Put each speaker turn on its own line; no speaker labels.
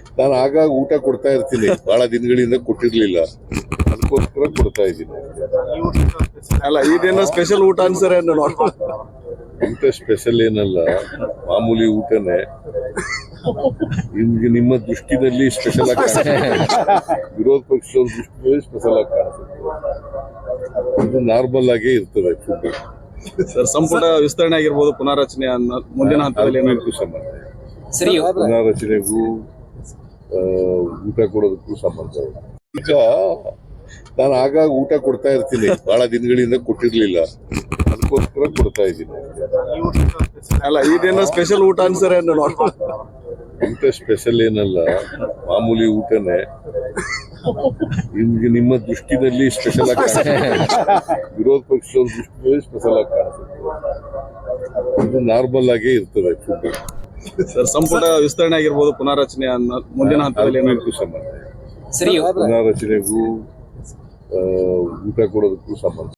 ನಾನು ಆಗಾಗ ಊಟ ಕೊಡ್ತಾ ಇರ್ತೀನಿ, ಬಹಳ ದಿನಗಳಿಂದ ಕೊಟ್ಟಿರ್ಲಿಲ್ಲ, ಅದಕ್ಕೋಸ್ಕರ ಕೊಡ್ತಾ ಇದ್ದೀನಿ.
ಅಲ್ಲ ಇದೇನೋ ಸ್ಪೆಷಲ್ ಊಟ ಅನ್ಸರೆ
ಊಟ ಸ್ಪೆಷಲ್ ಏನಲ್ಲ, ಮಾಮೂಲಿ ಊಟನೇ. ನಿಮ್ಗೆ ನಿಮ್ಮ ದೃಷ್ಟಿನಲ್ಲಿ ಸ್ಪೆಷಲ್ ಆಗಿ ಕಾಣಿಸುತ್ತೆ, ವಿರೋಧ ಪಕ್ಷದವ್ರ ದೃಷ್ಟಿಯಲ್ಲಿ ಸ್ಪೆಷಲ್ ಆಗಿ ಕಾಣಿಸುತ್ತೆ. ಇದು ನಾರ್ಮಲ್ ಆಗೇ ಇರ್ತದೆ ಫುಡ್.
ಸರ್ ಸಂಪುಟ ವಿಸ್ತರಣೆ ಆಗಿರ್ಬೋದು, ಪುನಾರಚನೆ ಮುಂದಿನ ಹಂತದಲ್ಲಿ
ಅದಕ್ಕೂ ಸಂಬಂಧ, ಪುನಾರಚನೆಗೂ ಊಟ ಕೊಡೋದಕ್ಕೂ ಸಂಬಂಧ. ಈಗ ನಾನು ಆಗಾಗ ಊಟ ಕೊಡ್ತಾ ಇರ್ತೀನಿ, ಬಹಳ ದಿನಗಳಿಂದ ಕೊಟ್ಟಿರ್ಲಿಲ್ಲ, ಅದಕ್ಕೋಸ್ಕರ ಕೊಡ್ತಾ ಇದ್ದೀನಿ.
ಅಲ್ಲ ಇದೇನೋ ಸ್ಪೆಷಲ್ ಊಟ ಅನ್ಸರೆ
ಊಟ ಸ್ಪೆಷಲ್ ಏನಲ್ಲ, ಮಾಮೂಲಿ ಊಟನೇ. ನಿಮ್ಗೆ ನಿಮ್ಮ ದೃಷ್ಟಿನಲ್ಲಿ ಸ್ಪೆಷಲ್ ಆಗಿ ಕಾಣಿಸುತ್ತೆ, ವಿರೋಧ ಪಕ್ಷದವ್ರ ದೃಷ್ಟಿಯಲ್ಲಿ ಸ್ಪೆಷಲ್ ಆಗಿ ಕಾಣಿಸುತ್ತೆ. ಇದು ನಾರ್ಮಲ್ ಆಗೇ ಇರ್ತದೆ ಫುಡ್.
ಸರ್ ಸಂಪುಟ ವಿಸ್ತರಣೆ ಆಗಿರ್ಬೋದು, ಪುನಾರಚನೆ ಮುಂದಿನ ಹಂತದಲ್ಲಿ
ಅದಕ್ಕೂ ಸಂಬಂಧ, ಪುನಾರಚನೆಗೂ ಊಟ ಕೊಡೋದಕ್ಕೂ ಸಂಬಂಧ.